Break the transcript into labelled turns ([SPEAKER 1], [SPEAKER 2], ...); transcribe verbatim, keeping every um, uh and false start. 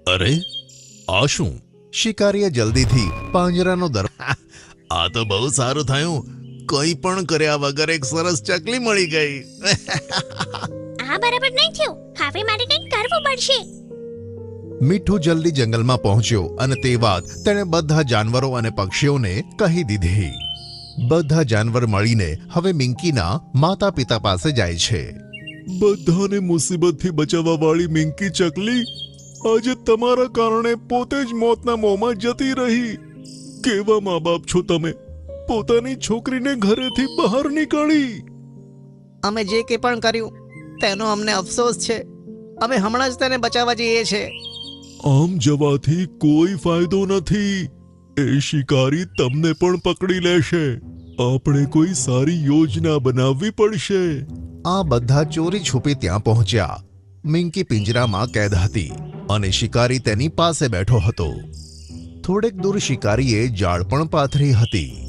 [SPEAKER 1] અરે આ શું?
[SPEAKER 2] શિકારીએ જલ્દીથી પાંજરાનો દર
[SPEAKER 1] આ તો બહુ સારું થયું. કંઈ પણ કર્યા વગર એક સરસ ચકલી મળી ગઈ.
[SPEAKER 3] આ બરાબર નહીં થયું. હવે મારે કંઈક કરવું પડશે.
[SPEAKER 2] મીઠું જલ્દી જંગલમાં પહોંચ્યો અને તે વાત તેણે બધા જાનવરો અને પક્ષીઓને કહી દીધી. બધા જાનવર મળીને હવે મિંકીના માતા પિતા પાસે જાય છે.
[SPEAKER 1] બધાને મુસીબતથી બચાવવા વાળી મિંકી ચકલી આજે તમારા કારણે પોતે જ મોતના મોંમાં જતી રહી. કેવા મા બાપ છો તમે? પોતાની છોકરીને ઘરેથી બહાર નીકાળી.
[SPEAKER 4] અમે જે કંઈ પણ કર્યું તેનો અમને અફસોસ છે. અમે હમણાં જ તેને બચાવવા જઈએ છીએ.
[SPEAKER 1] આમ જવાથી કોઈ ફાયદો નથી. એ શિકારી તમને પણ પકડી લેશે. આપણે કોઈ સારી યોજના બનાવવી પડશે.
[SPEAKER 2] આ બધા ચોરી છુપી ત્યાં પહોંચ્યા. મિંકી પિંજરામાં કેદ હતી અને શિકારી તેની પાસે બેઠો હતો. થોડેક દૂર શિકારીએ જાળ પણ પાથરી હતી.